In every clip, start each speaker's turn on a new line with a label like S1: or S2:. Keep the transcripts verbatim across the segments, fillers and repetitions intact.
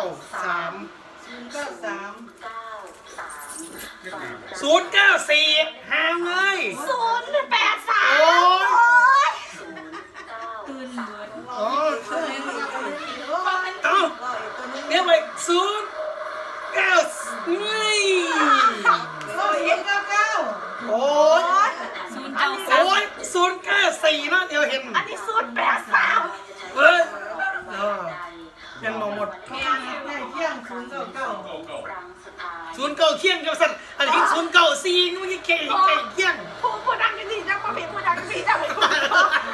S1: สามศูนย์เก้าสาม
S2: ศูนย์เก้าสี่ห่างเลย
S3: ศูนย์แปดสาม
S2: โอ้ย
S3: ตื่นเบิด
S2: โอ้ยเอ้าเดี๋ยวไปศูนย์เก้านี่
S1: โอ้ยเก้าเก้า
S2: โอ้ย
S3: ศูนย์เก้าสาม
S2: โอ้ยศูนย์เก้าสี่นะเดี๋ยวเห็น
S3: อันนี้ศูนย์แปดสาม
S2: เฮ้ยเออยังมองหมด
S1: เที่ยงเที่ยงศูนย์เก้าเก้า
S2: ศูนย์เก้าเคียงกับสัตว์อันนี้ศูนย์เก้าสี่มันยังเก่งเก่งเคียง
S3: ผู้ผู้ดังกันดีนะผู้ผิดผู้ดังกันดีนะไม่ผู้ผิด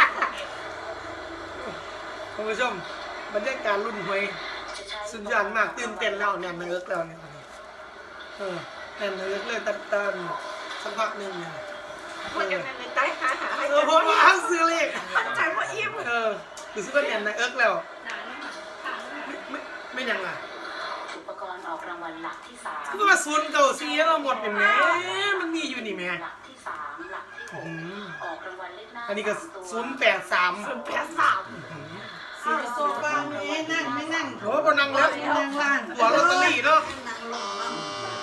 S2: คุณผู้ชมบรรยากาศรุ่นหวยสุดยอดมากตื่นเต้นแล้วเนี่ยมันเอิร์กแล้วเนี่ยเออแน่นเอิร์กเลยตันตันสักพักหนึ่งเนี่ย
S3: มันยังในใจหาหาให้
S2: เออเพราะว่าเอาซื้อเลข
S3: ใจว่าอิ่ม
S2: เออดูซิว่าเนี่ยนะเอิร์กแล้วไม่ไม่ไม่ยังอ่ะ
S4: อุปกรณ์ออกรางวัลหลักที่สาม
S2: ก็ว่าศูนย์เก้าสี่เราหมดเป็นแม่มันมีอยู่นี่แม่
S4: หลักที่สามหลักที่หกออกรางวัลเลขหน้า
S2: อันนี้ก็ศูนย์แปดสาม
S3: ศูนย์แปดสาม
S1: สี่โซฟาไม่นั่งไม่นั่ง
S2: โอ้พนังแล้ว
S1: นั่งล่าง
S2: หัวลอตเตอรี่เนาะ
S1: นั่งลง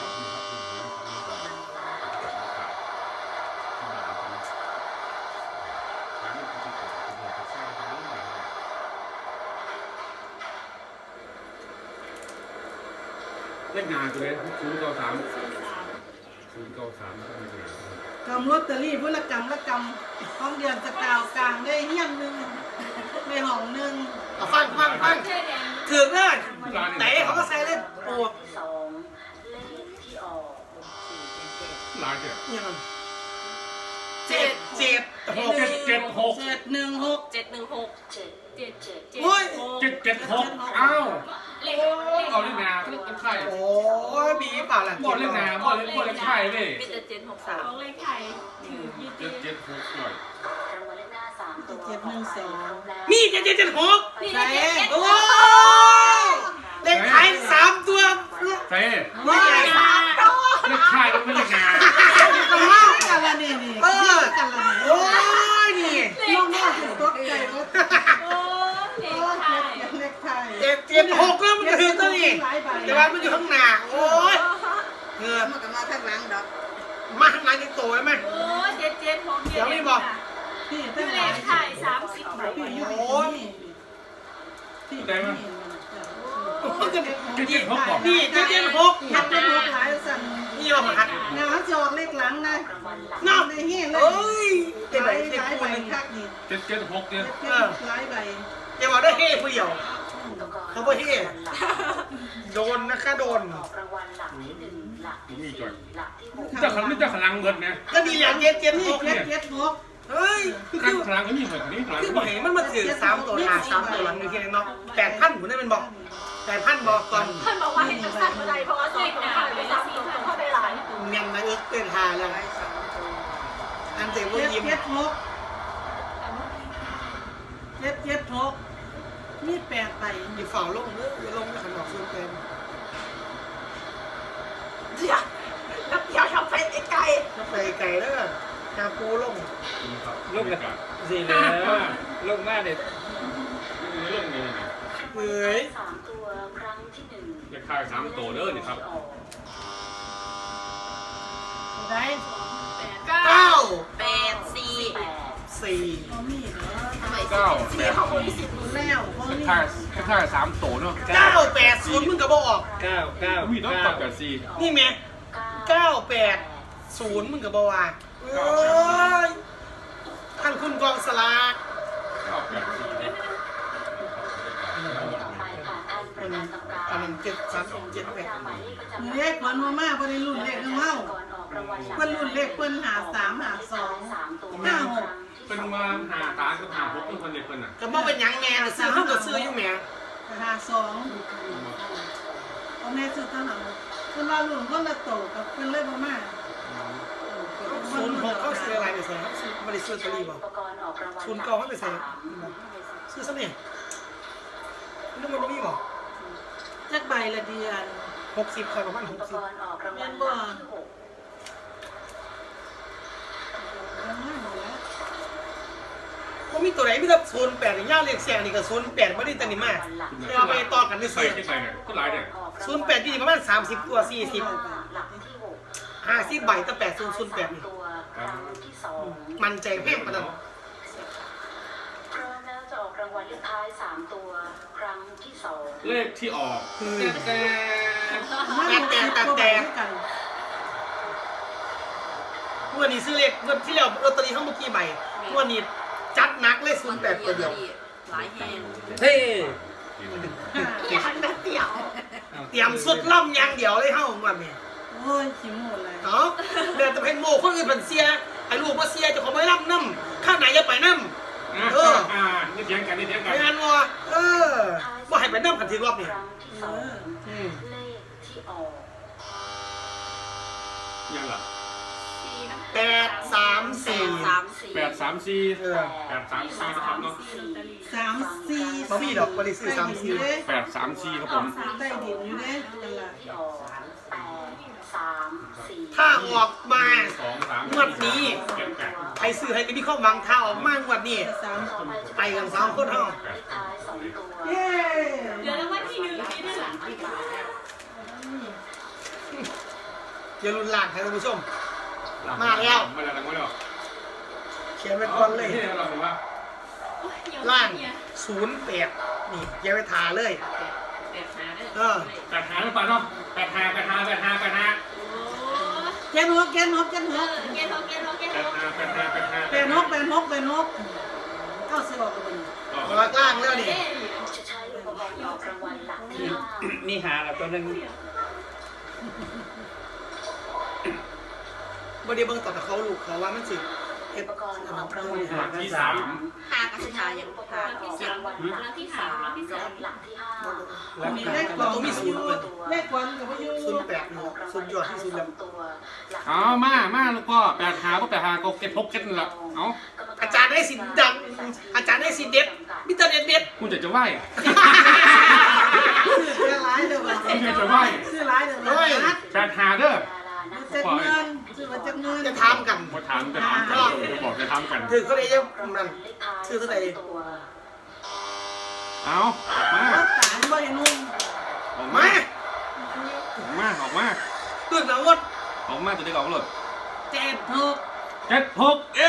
S5: เลขงานตัวนี้ศูนย์เก้าสามศูนย์เก้าสามก็มีงาน
S1: กำลอตเตอรี่พุทธกรรมละกรรมห้องเดือนสกาวกลางได้เฮี้ยนหนึ่งในห้องหนึ่ง
S2: เอาฟังฟังฟังถือเงินไหนเขาก็ใส่เล่นปู
S4: สองเลขที่ออก
S5: หลายเจ็ด
S2: เนี่ยมันเจ็ดเจ็ดหก
S5: เจ็ดเจ็ดหก
S1: เจ็ดหนึ่งหก
S3: เจ็ดหนึ่งหก
S4: เจ็ด
S3: เจ็ดเจ็ดเจ็ด
S2: โอ้ย
S5: เจ็ดเจ็ดหกอ้าว
S3: เลข
S5: เอาเลขนาเลขไข่
S2: โอ้ยบีเปล่าล่ะ
S5: บอลเลขนาบอลเลขบอลเลขไข่เลย
S3: มีแต่เจ็ดหกสามเลขไทยถือยี่
S5: เจ็ดเจ็ดหกหน่อย
S4: รางวัลเลขหน้าสามตัว
S1: เจ็ดหนึ่งสอง
S2: นี่เจ็ดเจ็ดเจ็ดหก
S3: นี่เลขเจ็ดเจ็ด
S2: โอ้ยเลขท้ายสามตัว
S5: เต้
S2: ไม่ใหญ่
S3: สามตัว
S5: เลขไข่ก็เป็นเลขนา
S1: กันละนี่นี่
S2: เออ
S1: กันละนี่
S2: โอ้ยนี่
S1: ลูกแม่ถึงตกใจว่า
S3: โอ้เลขไทย
S1: เล็กไทย
S2: เจ็ดเจ็ดหกแล้วมันก็ถือตัวนี้แต่ว่ามันอยู่ข้างหน้าโอ้ยเงือ
S1: มันก็มาข้างหลังดอก
S2: มาข้างหลังยังโตไหม
S3: โอ้เจ็ดเจ็ดหก
S2: เดี๋ยวนี่บอก
S1: พี่
S3: คือเลขไทยสามสิบใบ
S1: พี่อยู่นี่พี่
S5: ได้ไหม
S2: เจ็ดเจ็ดหกบอกนี่เจ็ดเจ็ดหก
S1: หัดเป็นหกหลายสั่น
S2: นี่เราหัด
S1: งานจะออกเลขหลังนะ
S4: รางวัลหลัก
S2: เนาะ
S1: ในเฮี้ยเล
S2: เอ้
S1: ย
S2: ยเจ็ด
S1: ห
S2: ใบ
S1: ลาย
S2: เจ็ด
S1: หลาย
S2: คู่
S1: ใบ
S2: หนึ่ง
S1: คักนี่
S5: เจ็ดเจ็ดหกเนี่ย
S1: เจ็ดหลายใบ
S2: อย่าบอกได้เฮ่ผู้เดียว
S4: อุปกรณ์
S2: เขาบอกเฮ่โดนนะคะโดน
S4: ออกรางวัลหลักที่หนึ่งหลักที่สี่หลักที่หก
S5: เจ้าขันนี่เจ้าขันลังเงินเนี่ย
S2: ก็มีอย่างเจ็ดเจ็ดห
S1: นี่
S2: ก
S1: เจ็
S2: เนี่
S1: ด
S2: ย
S1: เจ็ดหก
S2: เฮ้ย
S5: ขันขันลังก็มีเหมือนนี้ขันลัง
S2: คือบอกเห็นมันมาถือสามตัวหน้าสามตัวหลังมีแค่เนาะแปดพันผมได้เป็นบอกแปดพันบอกก่อน
S3: ท่านบอกว่าเห็นจังสันเมื่อไรเพราะว่าเลขหนาไปสามตัวเขาได้หลาย
S2: เมียนมาเอิร์กเป็นหาแล้วอันเสียว่า
S1: เจ็ด
S2: ยิ้ม
S1: เจ็ดหกเจ็ดเจ็ดหกมีแปดใบ
S2: มีฝ่าลงเยอะลงในขันดอกซูนเต็ม
S3: เดี๋ยวแล้วเดี๋ยวทำเฟซไกล
S2: ก็ไปไก่แล้วกาปูลง
S5: ลูกเลย
S6: สี่เลยลงมาเด็ด
S5: เรื่องนี้นะ
S2: เฮ้ย
S4: สามตัวครั้งที่หนึ่ง
S5: เลขไข่สามตัวเด้อนี่ครับ
S1: ได้
S2: เก้า
S3: แปดสี่
S4: แปด
S2: สี่
S1: เขามีเหรอ
S5: เก้าแปด
S1: แล้วเขา
S5: เล
S1: มี
S5: ขไข่เลขไข่สามตัวเนาะ
S2: เก้าแปดศูนย์มึงก็บอกออก
S6: เก้าเก้า
S5: มีต้อง
S6: เก้า
S5: กับแบบสี่
S2: นี่แม่เก้าแปดศูนย์มึงก็บอกว่าเอ้ยท่านคุณกองสลาก
S5: เก้าแปดสี่เนี่ย
S4: ต่อไปค่ะท่านประธานกรรมการ
S2: อันนั้นเจ็ดสามเจ็ดแปด
S4: หมายเลขประจำ
S1: เลขเปิ้นมามาเปิ้นรุ่นเลขของเฮา
S4: ก่อนออกรางวัลหลัก
S1: เปิ้นรุ่นเลขเปิ้นหาสามหาสอง
S4: สามตัว
S1: ห้าหก
S5: เป็นมาหาตาก็หาพบเป็นคนเด็กคนน่ะ
S2: ก็บอกเป็นหยังแม่แต่ซื้อเพิ่งก็ซื้ออยู่แม่
S1: หาสองเอาแม่ซื้อทหารเพิ่นว่ารุ่นคนละโตกับเพิ่นเลยบ่มา
S2: ศูนย์หกเขาซื้ออะไรไปใส่ครับซื้อไม่ได้ซื้อตะลีบอก
S4: อุปกรณ์ออกรางวัล
S2: ศูนย์เก้าเขาไปใส่ซื้อซะเนี่ยนี่มันไม่มีบอก
S1: จักใบละเดือน
S2: หกสิบคอยประมาณห
S4: อุ
S2: ก
S4: ป
S2: สิ
S4: ก
S2: บ
S4: รณ์ออกรางวัลหลักที่หก
S1: ยังไม่หมดแล้ว
S2: โอ้ก็มีตัวไหนมีแต่ศูนย์แปดย่าเลขแสงนี่ก็ศูนย์แปดไม่ได้ตันนี่มากเราไปต่อกันนี่
S5: ใส่
S2: สิ
S5: ที่ไปเนี่ยก็หลายเนี่ย
S2: ศูนย์แปดที่ประมาณสามสิบตัวสี่สิบ
S4: หลักที่หก
S2: ห้าสิบใบตั้งแปดศูนย์ศูนย์แปดนี่
S4: ตัวครั้งที่สอง
S2: มันใจเพ่งประดัน
S4: พร้อมแล้วจะออกรางวัลเลขท้ายสามตัวครั้งที่สอง
S5: เลขที่ออกแต่
S1: มันแต่แต่แต่กัน
S2: วันนี้ซื้อเลขวันที่แล้วลอตเตอรี่ทั้งเมื่อกี้ใบวันนี้จัดนักเลขศูนย์แปดตัวเดียว
S3: หลายแห่ง
S6: เฮ้
S3: อยากแบบเดี่ยว
S2: เตรียมสุดล่ำยางเดียวเลยเฮ้าวันนี้
S1: โอ้ยขี้หมดเลย
S2: เนาะเดี๋ยวจะเป็นโมคนอื่นเป็นเสียไอ้ลูกว่าเสียจะขอไม่รับน้ำข้างไหนจะไปน้ำ
S5: เอออ่านี่เถียงกันนี่เถียงกัน
S2: ไม่งั้นวะเออว่าให้ไปน้ำกันทีรอบนี่
S4: ครั้งที่สอง
S2: อืม
S4: เลขที่ออก
S5: ยังล่ะ
S2: แปดสามสี่
S3: สามสี่
S5: แปดสามสี่
S2: เออ
S5: แปดสามสี่นะครับเนาะ
S1: สามสี่
S2: มามีดอกบริสุทธิ์สามสี่
S5: แปดสามสี่ครับผม
S1: ได้ดินอยู่เด้กันละ
S4: ที่ออกแปดสามสี่
S2: ถ้าออกมา
S5: สองสาม
S2: งวดนี้
S5: เจ็ดแปด
S2: ใครซื้อให้ก็มีข้อบังถ้าออกมางวดนี้
S1: สาม
S2: ไปกันสองคนเท่า
S4: เลขท้ายสองตัว
S1: เย้
S3: เดี๋ยวแล้ววันที่หนึ่งที่ได้หลังที่บาท
S2: อย่ารุนแรงครับท่านผู้ชม
S5: มาแล้วมาแล้วมาแล้ว
S2: เขียนไว้ก่อนเลย
S5: เราบอกว่า
S2: ล่างศูนย์แปดนี่เขียนไว้ทาเลย
S3: แปดหาได้
S2: เออ
S5: แปดหาหรือเปล่าเนาะแปดหาแปดหาแปดหาแปดหา
S3: โอ้
S1: แกนกแกนกแกน
S3: เอก อเกนโฮเกนโฮเกน
S5: แป
S3: โฮ
S5: ดหาแปดหาแปดหา
S1: แปนกแปนกแปนกเข้าสิออกกัน
S2: เอาไว้ล่างแล้วนี่
S4: จะใช้อุปกรณ์ออกรางวัลหลักที่ห้า
S6: มีหาแล้วตัวนึง
S2: บริเบิงต่อแต่เขาลูกเขาว่ามันสิเอ็ด
S4: อุปกรณ์ออกราง
S2: ร
S4: วัล
S5: หลักที่สาม
S3: หากระชายัง
S4: อุปก
S3: หาร
S4: ณ์อ
S3: ที่
S4: อก
S3: สาร
S4: าม งวัล
S3: ครั้งที่สามครั้งที่สาม
S4: หลักที่ห้า
S1: มีเลขกล่อง
S2: ต้องมีศูนย์เลย
S1: เลขกล่องกับพายุ
S2: ศูนย์แปดนี่สุดยอดที่สุดแล้ว
S5: เอามามาลูกพ่อแปดหาก็แปดหาก็เก็บพกเก็บนั่นแหละเอา
S2: อาจารย์ให้สินดังอาจารย์ให้สินเด็ดมิเตอร์เด็ดเด็ด
S5: คุณจะจะไหว
S1: ซื้อร้ายเด้อว่ะ
S5: คุณจะจะไหว
S1: ซื้อร้ายเด้อว่ะ
S5: แปดหาเด้อ
S1: เจ็ดเงินซื้อมาเจ็ดเงิน
S2: จะทำกัน
S5: มาถามจะถามกันจะบอกจะทำกัน
S2: ถือเขาเลยจะนั่นซื้อเท่าไหร่
S5: เอามา
S1: ตายบ่ให้นุ่ม
S5: ออก
S2: มา
S5: มาออกมาออกมา
S2: ตื่นหนังวด
S5: ออกมาตัวเด็กออกเลย
S1: เจ็ดหก
S5: เจ็ดหกเอ๊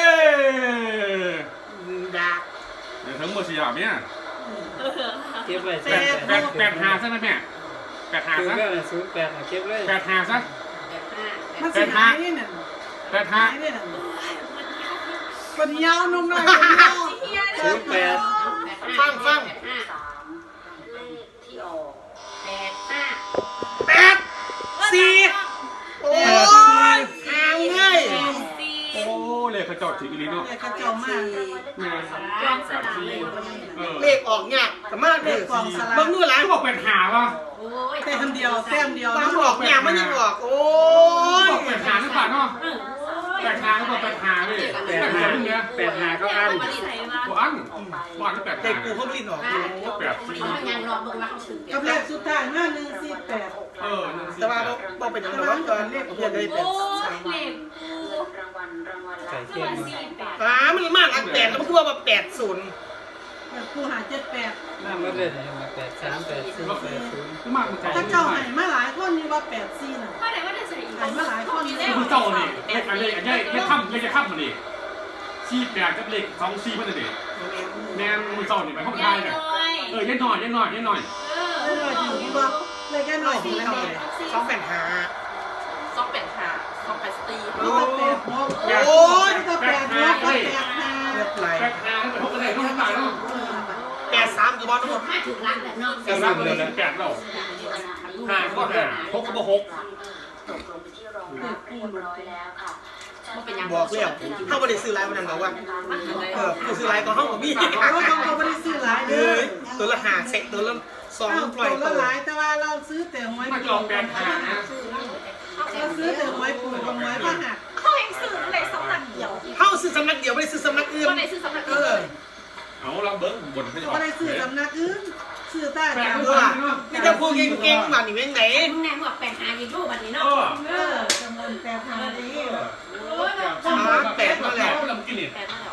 S2: ด่า
S5: เดี๋ยวทั้งหมดสี่แบบเนี้ย
S6: เก็บไว้
S5: แปดแปดแปดหาซะนะแม่แปดหา
S6: คือ
S5: ซะ
S6: ก็ศูนย์แปดเก็บเลย
S5: แปดหาซะ
S1: มันสิหายนี่น่ะ
S5: แปดหา
S1: หายนี่น่ะคนยาวนุ่มหน่อยคนยาว
S6: ศูนย์แปด
S2: ฟังฟัง
S4: สามเลขที่ออก
S3: แปดห้า
S2: แปดสี่โอ้ยห่างเงย
S3: สี่
S5: โอ้เลยเขาจอดถึงอีลีเนาะ
S1: เลขกระเจ้ามาก
S5: แม่
S3: กลางส
S5: แปด
S3: นาม
S5: สี่เออ
S2: เลขออกเนี่ยแต่มากเลย
S1: กล่องสลาก
S2: บางนู่นหลาย
S5: เขาบอกแปดหาวะ
S3: โอ้ย
S1: แต้มเดียวแต้มเดียว
S2: บางออกเนี่ยมันยังออกโอ้ย
S5: บอกแปดหาหรือเปล่าเนาะแปดหาเขาบอกแปดหาเลยแปดหาเนี้ย
S6: แปดหาก็อัน
S3: มาดีใส่มา
S5: ตัวอันบ้านแปด
S2: เด็
S5: หาก
S2: กูเขาผลิตออก
S5: โอ้แปดสี่
S3: เขาพยายามรอเบิ่งว่าเขาถึง
S1: กับเลขสุดท้ายห้าหนึ่งสี่แปด
S5: เออหนึ่งสี่
S2: แต่ว่า
S5: แปด
S2: บอกเป็นอย่างไรว่าตอนเลขผมอยากได้เป็น
S3: โอ้
S2: สาม
S3: เล็ก
S4: รางวัลรางวัลละ
S6: ใส่
S3: ตั
S6: เก็
S3: ว
S6: บ
S3: สี่แปด
S2: อ่ามันมากอันแปดแล้วมันคือว่าแบบแปดศูนย์
S1: ผู้หาเจ็ดแปด
S6: น้ำมาเลยมาแปดสามแปดสี่แปดศูนย์
S5: มากมันใจ
S1: ถ้าเจ้าใหายมาหลายคนนี่ว่าแปดสี่น่ะ
S3: เมื่อไหร่ว่าจะใส่อีก
S1: หายมาหลายคนนี่
S5: คือเจ้านี่เลขอะไรอันนี้เลขค่ำเลขจะค่ำมันดิสี่แปดกับเลขสองสี่มันจะดิแนนมือเจ้านี่ไปห้อง
S3: ใหญ่
S5: ท้ายเนี่ย
S3: เลย
S5: เออยันหน่อยยันหน่อยยันหน่อย
S3: เออ
S1: เอออยู่ที่ว่าเลยแค่หน่อย
S2: ผมแล้วเลยเขาเป็นหา
S3: สองแปดห้าสองแปดสี่
S1: โอ้แปดหก
S2: โอ้ย
S1: ก็แปดหกก็แปดห้า
S2: เรียบไร
S5: แปดหาแล้วไปพบกันเลยต้องตายเนาะ
S2: แปดสามกับบอลทั้งหมด
S3: มาถึงร้านแบบนอก
S5: แปดสามเลยแปดเราห้าก็ห้าหกก็หก
S4: ตกลงไปที่รองรับเรียบร้อยแล้วค่ะ
S2: บอกแล้วถ้าบริซื้อไรมันบอกว่าเออคือซื้อไรก็ห้องกับพี่
S1: เพราะบางคนไม่ได้ซื้อหลาย
S2: เอ
S1: เด้
S2: อ
S1: อ
S2: ตัวละหาเสร็จตัวละสอง
S1: เอา
S2: ปล่อย
S1: ตัว
S2: ตั
S1: ละ
S2: ว
S1: หลายแต่ว่าเราซื้อแต่หวย
S5: มาจองแปดหานะ
S1: เราซื้อแต่หวยปู่กับหวยพระหัก
S3: เขาเองสื่อเลยสำนักเดียว
S2: เข้าซื้อสำนักเดียวไม่ได้ซื้อสำนักอื่น
S3: ก็เลยซื้อสำนัก
S2: เอ
S3: เดียว
S2: อ
S5: เอาเราเบิ้งบนให้ออก
S1: ก็ได้ซื้อสำนักอื่นซื้อใต้
S5: แปด
S1: จาม
S2: เออนี่จะพูดเก่งๆมาหนิเว้งไหน
S3: มึงแน่หัวแปดหายิงรูปแบบนี้เนาะ
S5: เออ
S1: เออจำนวนแปดหาดี
S5: แปดมาแล้วแปดมาแล้วเรากินนี่
S3: แปดมาแล้ว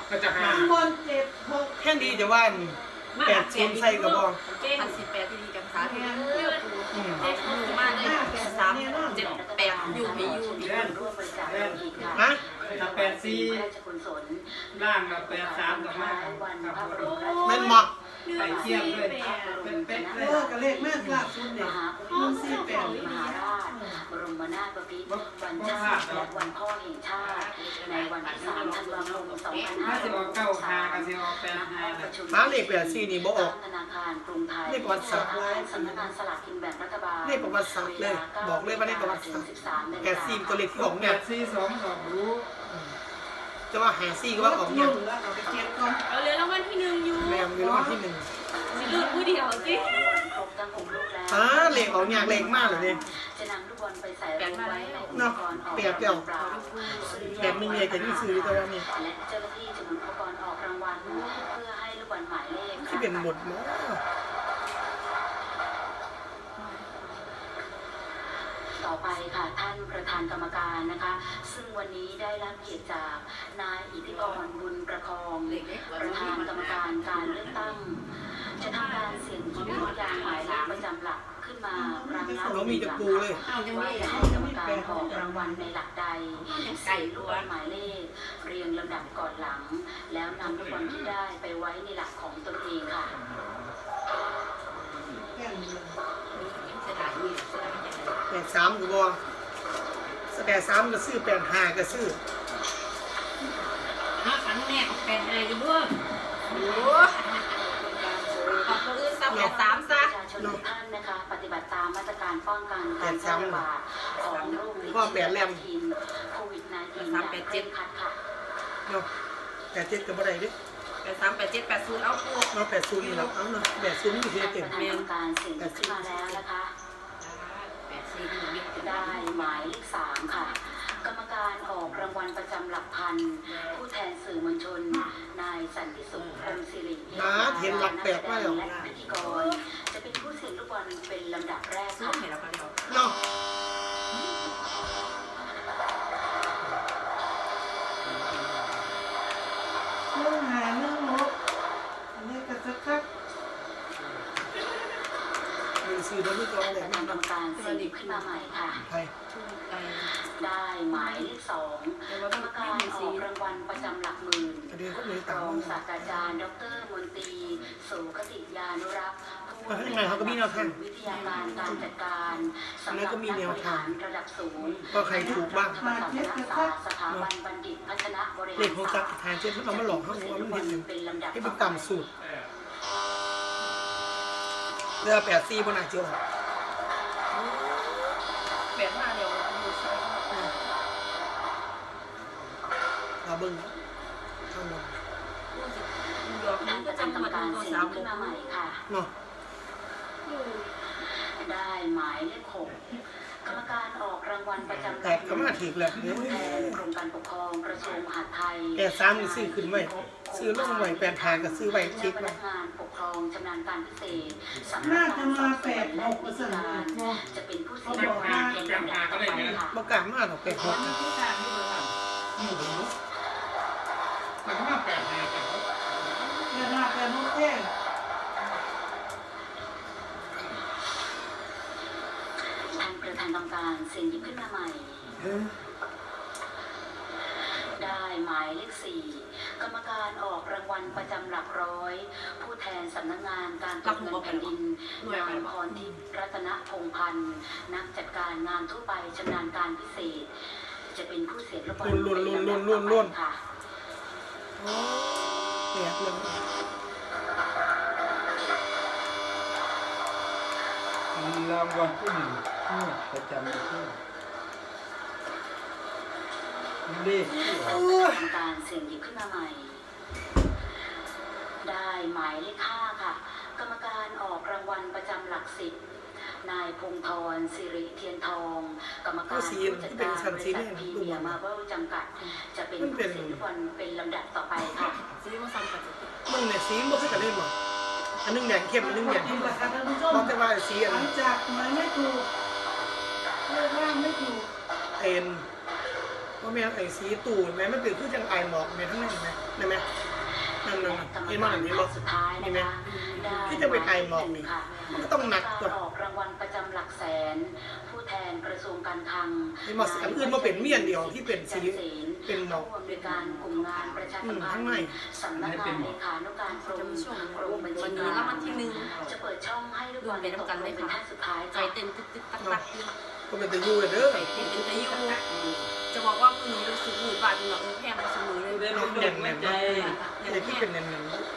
S5: ก็จะหา
S1: ข้างบนเจ็ดหก
S2: แค่นี้จะว่าแปดศูนย์ใส่กระบอก
S3: เจ๊หันสิบแปดที่ดีกันสาธุ
S2: อืม
S3: เจ๊ฟูมาเลยสามเจ็ดแปดอยู่มีอยู่มี
S6: เล่น
S4: ร่วมบริจาค
S6: เล่น
S4: อีกค่ะ
S2: ฮะ
S6: ถ้าแปดสี่
S4: พระราชกุศล
S6: ล่างกับแปดสามกับมา
S4: วัน
S6: ครับ
S4: พระบรม
S2: แม่นบอก
S6: ใส่เทียมด้วยเป๊ะๆ
S1: เอ
S6: เลย
S1: อกับเลขแม่กลาสุด
S4: ม
S1: เนี่ย
S4: หาภูมิพลอดุลยมหาราชบรมนาถบพิตรวันชาติและวันพ่อแห่งชาติ ในวันที่สามธันวาคมสองพันห้า
S6: ถ้า
S4: ร้
S6: จะ
S4: อย
S6: บอก
S4: ห
S6: เก้าก
S4: สิบ
S6: หา
S4: สาม
S6: กับจะออกแปดห้า
S4: ประชุม
S2: หาเลขแปดสี่นี่บ่ออก
S4: ธนาคารกรุงไทย
S2: เลขประวัติศาสตร์
S4: สำนักงานสลากกินแบ่งรัฐบาล
S2: เลขประวัติศาสตร์เลยบอกเลยว่าเลขประวัติศาสตร์แปดสี่ตัวเลขที่ออก
S6: แป
S2: เนี่ย
S6: ดสี่สองสองรู้
S2: จะว่าหาซี่ก็ว่าออกเนี่ย
S1: รุ่นแล้วเอาไปเก็บก่อน
S3: เอาเลยรางวัลที่หนึ่งอยู่
S2: แม่มอยู่รางวัลที่หนึ่ง
S3: สิลูกผู้เดียวสิ
S4: ครบทั้งหกลูกแล้ว
S2: อ่าเลขออกเนี่ยเลขมากเลยเนี่ย
S4: จะนำลูกบอลไปใส่รวมไว้ในอุป
S2: เนาะ
S4: กรณ์ออก
S2: เปรียบเดียว
S4: เปล่า
S2: แถมหนึ่งเลยแต่นี่ซื้อตัวนี้
S4: และเจ้าหน้าที่จะหมุนอุปกรณ์ออกรางวัลเพื่อให้ลูกบอลหมายเลข
S2: ที่เป็นหมดเนาะ
S4: ต่อไปค่ะท่านประธานกรรมการนะคะ ซึ่งวันนี้ได้รับเกียรติจากนายอิทธิกรบุญประคอง ประธานกรรมการการเลือกตั้ง จะทำการเสี่ยงหยิบลูกยางหมายเลขประจำหลักขึ้นมาครั้งละ
S2: เรามีจะปูเลย
S4: ว่าจะให้กรรมการออกรางวัลในหลักใดใส่ลูกบอลหมายเลข เรียงลำดับก่อนหลัง แล้วนำลูกบอลที่ได้ไปไว้ในหลักของตนเองค่ะ
S1: แก่นเลย
S2: แปดสามก็บอกแปดสามก็ซื้อแปดห้าก็ซื้อ
S3: มาขันแม่ของแปดอะไรกันด้วยโอ้ขอบคุณสามแปดสามซะ
S4: ประชาชนทุกท่านนะคะปฏิบัติตามมาตรการป้องกันการแพร่ระบาดของโรคติดเชื้อโควิด สิบเก้า อย่างเคร่งครัดค่ะ
S2: เนาะแปดเจ็ดก็บ่ได้ดิ
S3: แปดสามแปดเจ็ดแปดศูนย์เอาปู
S2: เนาะแปดศูนย์นี่แหละเอาเนาะแปดศูนย์นี่คือ
S4: ท่าน
S2: เต็
S4: ป
S2: ม
S4: ระธานกรรมการเสี่ยงขึ้นมาแล้วนะคะ
S3: แปดสี่ที่หนึ่งมิตร
S4: ได้หมายเลขสามค่ะ กรรมการออกรางวัลประจำหลักพัน ผู้แทนสื่อมวลชน นายสันติสุขพงศิริ
S2: นะเห็นหลักแปดมาแล้ว
S4: และพิธีกร จะเป็นผู้เสี่ยงลูกบอลเป็นลำดับแรก
S3: สู้
S4: ค่ะ
S3: เห็นแล้วก็เดียว
S2: เนาะ
S1: เรื่องหาเรื่องลบอันนี้ก็จะคัก
S2: มีซื้อแล้วไม่ก็เอา
S4: ป
S2: เลย
S4: ระ
S2: ไม่
S4: ธานกร
S2: มาร
S4: มการเสี่ยงขึ้นมาใหม่ค่ะ
S2: ใคร
S4: ได้หมายเลขสองกรรมการออกรางวัลประจำหลักหมื่น
S2: ประเดี๋ยวก็มี
S4: ร
S2: ตัง
S4: อง
S2: ค์
S4: ศาสตราจารย์ดรมนตรีสุขติยานุรักษ์ผู้
S2: ข้างในเขาก็มีแนวทาง
S4: วิทยาการการจัดการสำหรับนักบริหารระดับสูง
S2: ก็ใครถูกบ้าง
S4: มาเทียบกับสถาบันบัณฑิตพัฒนาบริหาร
S2: เลขของจักรทานเจ็ดมันเอามาหลอกเขาว่ามันเห็นหนึ่ง
S4: เป็นลำดับ
S2: ให้เป็นต่ำสุดเรือแปดสี่บนอาเจียว
S3: แปดมาเดียวดูใส่
S2: เราเบิ้งข้างบน
S3: ยอม
S4: ท่าน
S3: ก็
S4: ประ
S3: จะ
S4: ธานกรร
S3: มาม
S4: การ
S3: ตัว
S4: เสี่ย
S3: สาง ม
S4: ขึ้นมาใหม่ค่ะ
S2: เนาะ
S4: ได้หมายเลขหกกรรมการออกรางวัลประจำ
S2: แปดก็มาถีบแหละ
S4: ผู้แทนกรมการปกครองกระทรวงมหาดไทย
S2: แปดสามนี่ซื้อขึ้นไว้ซื้อลงไว้แปดหาก็ซื้อไว้
S4: และ
S2: คิด
S4: พ
S2: ไว้
S4: นักงานปกครองชำนาญการพิเศษสำนั
S1: น่าก
S4: งา
S1: จะ
S4: นส
S1: มา
S4: อบส
S1: แป
S4: ว
S1: ด
S4: น
S1: ห
S4: และ
S1: กเปอ
S4: วิ
S1: ร์เซ็น
S4: ธี
S1: ต์
S4: การ
S1: เนาะ
S4: จะเป็นผู้เสี่ยงลูกบอลเป็นลำดับต่อไปค่ะ
S2: บ่กล้ามากหรอกแปดหก
S5: มันก็มาแปดห้ากัน
S1: แปดห้าแปดหกแท้
S4: ท่านประธานกรรมการเซ็นหยิบขึ้นมาใหม่ ได้หมายเลขสี่กรรมการออกรางวัลประจำหลักร้อย ผู้แทนสำนักงานการตรวจเงินแผ่นดินนายพรทิพย์รัตนพงษ์พันธ์นักจัดการงานทั่วไปชำนาญการพิเศษ จะเป็นผู้เสียลูกบอลเป็นลำดับต่อไปค่ะ
S2: แปดเลย
S6: รางวัลที่หนึ่งประจำที่เลขที่ออก
S4: ทำการเสี่ยงหยิบขึ้นมาใหม่ ได้หมายเลขห้าค่ะ กรรมการออกรางวัลประจำหลักสิบนายพงธรสิริเทียนทอง กรรมการผู้จัดการบริษัทพรีเมียร์มาร์เบิลจำกัด จะเป็นผู้เสี่ยงลูกบอลเป็นลำดับต่อไปค่ะ
S3: ซื้อมาซ้ำกัน
S2: มึงเนี่ยสีมันบ่คือกันเล่นหรออันนึงแดงเข้มอันนึงแดง
S1: กิ
S2: เข้
S1: น
S2: ม
S1: ราคาท่านผู้ชม
S2: บอกแต่ว่าสีอัน
S1: หลังจากหมายไม่ถูกเลือกร่างไม่ถูก
S2: เอ็นเพราะแม่ไอ้สีตูนแม่มันเป็นคือจังไอหมอกแม่ทั้งนั้นไหมได้ไหมนั่นนั่นเห็นมั้ยเห็นมั้ย
S4: สุดท้าย
S2: นี่
S4: นะ
S2: ไหม
S4: คะ
S2: ที่จะเป็นไอหมอกนี่มันก็ต้องหนักกว่า
S4: ออกรางวัลประจำหลักแสน ผู้แทนกระทรวงการคลัง
S2: นี่มาอันอื่นมาเป็นเมียนเดียวที่เป็นสีเป็นหมอก
S4: ผู้อำนวยการกลุ่มงานประชาสัมพั
S2: ข้าน ง
S4: ธ์
S2: ใน
S4: สำนักงานเลขานุการกรมกรมบัญชี
S3: วัน
S4: ก
S3: นี้
S4: ลาง
S3: แล้วมันที่หนึ่ง
S4: จะเปิดช่องให้ลูกบอล
S3: เป็นกันเลย
S4: เป็น
S3: ค่ะ
S4: ท่านสุดท้าย
S3: ใจเต้นตึกตึกตักตักอยู่
S2: ก็เป็นตัวยูเลยเด้อ
S3: ใจเต้นเป็นตะยูจะบอกว่ามือรู้สึกมือบาดเหงาแห้งมาเสมอเลย
S6: ได้เป็นเด็กแม่ใจ
S2: ไอ้ที่เป็นเน้น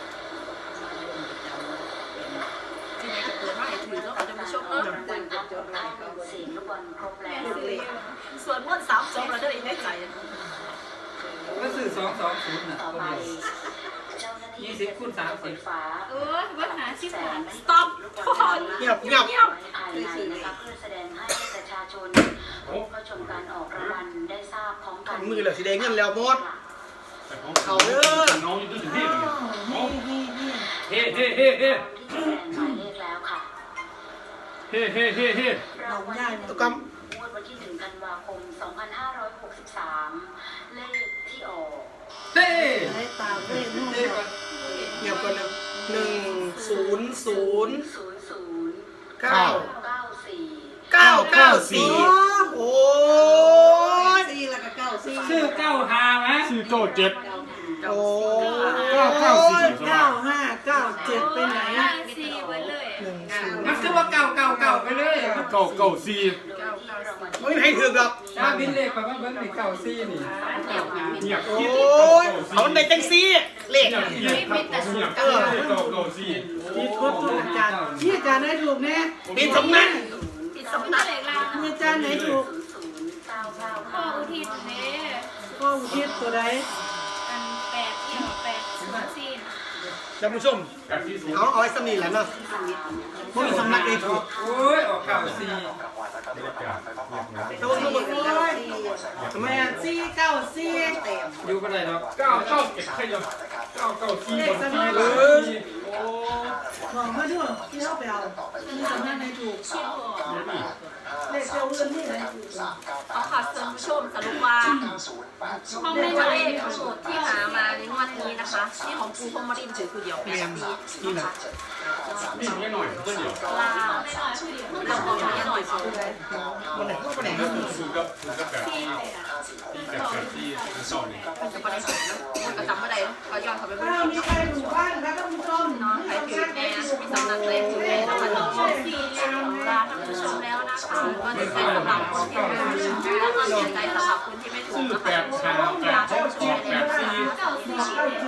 S3: ที่ไหนจะเปิดมาให้ถือแล้วก็จะมาชมเนาะ
S4: รางวัลทั้งหมดเข้าเสียงลูกบอลครบแล้ว
S3: ส่วนม้วนสามจบแล้วเด้ออีกได้ใจ
S6: ก็สื่อสองสองศูนย์น่ะ
S4: ต่อ
S6: ก็
S4: ไป
S6: มี
S4: เจ้าหน้าที่
S6: ยี่สิบคูณสามสิบ
S4: เปิดฝา
S3: เออว่าหาสิบ
S4: แสน
S3: สต็อปทุกคน
S2: ๆเงียบเงียบ
S3: เงียบ
S4: ภายในนะคะเพื่อแสดงให้ประชาชนผู้เข้าชมการออกรางวัลได้ทราบพร้อมกัน
S2: ทำมือเหลือสีแดงเงินแล้วหมด
S5: แต่ของเขาเด้อน้องอยู่ที่ถึงที่เฮ้เฮ้เฮ้เฮ้
S4: ที่แสดงหมายเลขแล้วค่ะ
S5: เฮ้เฮ้เฮ้เฮ้
S4: รางวัล
S2: ตุกรรม
S4: งวดวันที่หนึ่งธันวาคมสองพันห้าร้อยหกสิบสามเลขที่ออก
S6: เฮ้
S1: ให้ตามเลขนู่น
S6: เฮ้ก่อน
S2: เงียบกันหนึ่งหนึ่งศูนย์ศูนย์
S4: ศูนย์ศูนย์
S2: เก้า
S4: เก้าสี่
S2: เก้าเก้าสี่โอ้ย
S1: สี่แล้วก็เก้าสี่
S6: ชื่อเก้าหาไหม
S5: ชื่อโก้เจ็ด
S2: โอ้
S5: เก้าเก้าสี่
S1: เก้าห้าเก้าเจ็ดไปไหน
S3: สี่ไว้เลย
S2: หนึ่งศูนย์
S6: มันคือว่าเก่าเก่าเก่าไปเลย
S5: เก้าเก้าสี่
S4: โดยที่รางวัล
S2: ไม่ให้ถึงหรอก
S6: ถ้าบินเลขไปว่าเบิ้งนี่เก่าซี่นี่
S5: เงียบ
S2: โอ้ยเขาในจังซี่เลข
S5: เงียบเงียบเงียบเก้าเก้าสี่
S1: ที่ครบทุกอาจารย์ที่อาจารย์ได้ถูกแน่
S2: ปีสองนั้น
S3: ติดสำนักเลยล่ะ
S1: ที่อาจารย์ไหนถูก
S4: ศูนย์เก้าเก้า
S3: พ่ออุทิศเด้
S1: ก็อุทิศตัวใด
S3: อันแปดเอี่ยวแปดศูนย์สี่
S2: ท่านผู้ชม
S5: แบบที่สูง
S2: เขาเอาไว้สนิทแหล้วเนาะพวกมีสำนักเองถูก
S6: โอ้ยออกเก่าซี่
S2: ท่านผู้ชมทำไม
S1: แปดสี่เก้าสี่เต็ม
S6: อยู่ก็ได้เนาะ
S5: เก้าเก้าเจ็ดใครยังเก้าเก้าสี่บนสี่เลย โอ้
S1: บอกมาด้วยที่เขาไปเอาที่สำนักไหนถูกเลขเจ้าเงินที่ไหนถูก
S3: เอาค่ะท่านผู้ชมสรุปว่าห้องได้เลขทั้งหมดที่หามาในงวดนี้นะคะ ที่ของปูพรหมรินทร์ถือคือเดียวแปดปีนะคะ
S5: นี่แค่หน่อยเพื่อนเดียว
S3: ลาเราขอมาหน่อยสิ
S2: วันไหนวันไหน
S5: สูงกับสูงกับแบบที่แบบแบบที่สอนนี่
S3: มันจะไม่ได้มันก็จำไม่ได้ก็ย้อนเข้าไปเบิ่ง
S1: ถ้ามีใครถูกบ้างนะท่านผู้ชม
S3: น้องใครถือแม่มีสำนักเลขถือแม่แล้วมันต้องชมสี่ลาท่านผู้ชมแล้วนะคะก็ดีใจสำหรับคนที่ถูกแล้วก็เสียใจสำหรับคนที่ไม่ถู
S5: ชื่
S3: ก
S5: อ
S3: นะ
S5: แป
S3: คะ
S5: ดชาแปดหกออกแปดสี่
S3: เก้าสี่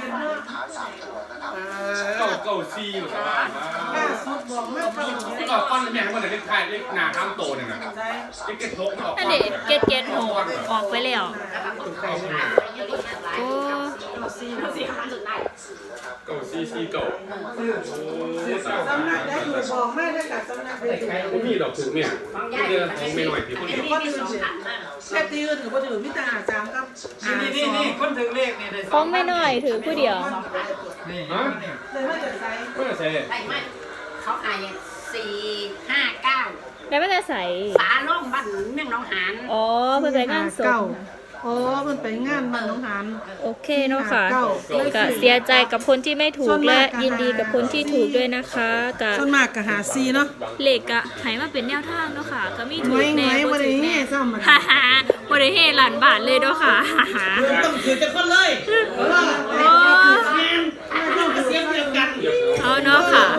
S5: เก้าเก้าสี่อยู่สบาย
S1: ล่าสุดบอกมาเข้า
S5: ก็ก้อนแม่มันเลยเล็กไทยเล็กหนาข้ามโตเนี่ยนะ
S1: ได้
S5: เล็กเก็ตหกออก
S7: นั่นเด็กเกตเกตหกออกไปแล้วโอ้
S5: เก้าสี่สี่เก้า
S6: ชื่อชื่อเก่า
S1: สำนักได้ถูกบอกไม่ได้กับสำนักได้ถูก
S5: ไม่มีดอกถึงเนี่ยเดือนของไม่หน่อยที่คนเดียว
S1: ก็ถือเสียแค่ตีอื่นถือว่าถือมิตรหาจามครับ
S6: นี่นี่นี่คนถึงเลขนี่ได้
S7: ฟ้องไม่หน่อยถือผู้เดียว
S6: นี่
S5: ฮะ
S1: เลยว่าจะใช้
S5: ไม่ใช่
S3: ไม่ไม่เขาหายสี่ห้าเก้า
S7: แล้วไม่ได้ใส่
S3: สาล่องบ้านเมืองน้องหาน
S7: อ๋อเพื่อไปงานศพ
S1: โอ้มันไปงานบ้านน้องหาน
S7: โอเคเนาะค่ะก็เสียใจกับคนที่ไม่ถูกและยินดีกับคนที่ถูกด้วยนะคะกะ
S1: ส่วนมากก็หาซีเนาะ
S7: เหล็กอะหายมาเป็นแนวทางเนาะค่ะ ก็มีถู
S1: ไว้
S7: กแน่
S1: ไว้
S7: บ่
S1: วัน
S7: ถูก
S1: นี้
S7: แน่
S1: ซ้ำมัน
S7: ฮ่าฮ่าบ่ได้เฮหลานบาทเลยเนาะค่ะฮ่าฮ่า
S2: ต้องถือจะคนเลยเออ
S7: โอ้
S2: แม่ต้องเสียงเดียวกัน
S7: เอาเนาะค่ะ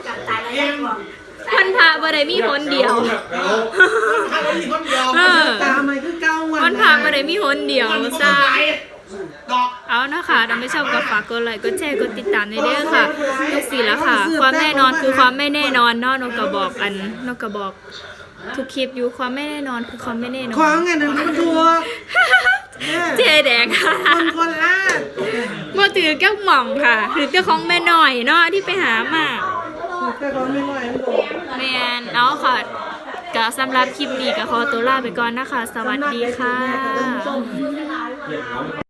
S7: ท่านพระบ่ได้มีคนเดียว
S2: ถ้าเรามีคนเดียว
S7: เออ
S1: ตามไปคือเก้าวัน
S7: ท่านพระบ่ได้มีคนเดียวจ้า
S2: ดอก
S7: เอานะคะท่านผู้ชมก็ฝากกดไลค์กดแชร์กดติดตามในเด้อค่ะทุกสิ่งแล้วค่ะ ความแน่นอนคือความไม่แน่นอนเนาะนกกระบอกอันนกกระบอกทุกคลิปอยู่ความไม่แน่นอนคือความไม่แน่นอ
S1: ขอน งเงินนั้นมันถูก
S7: เจแดงค่ะ
S1: คนคนลาด
S7: บ่ถือแก้วหม่องค่ะถือเจ้าของแม่หน่อยเนาะที่ไปหามา
S1: แต่ของไม่ไหวมันโดน
S7: แมนเอาค่ะก็สำหรับคลิปนี้ก็ขอตัวลาไปก่อนนะคะ สวัสดีค่ะ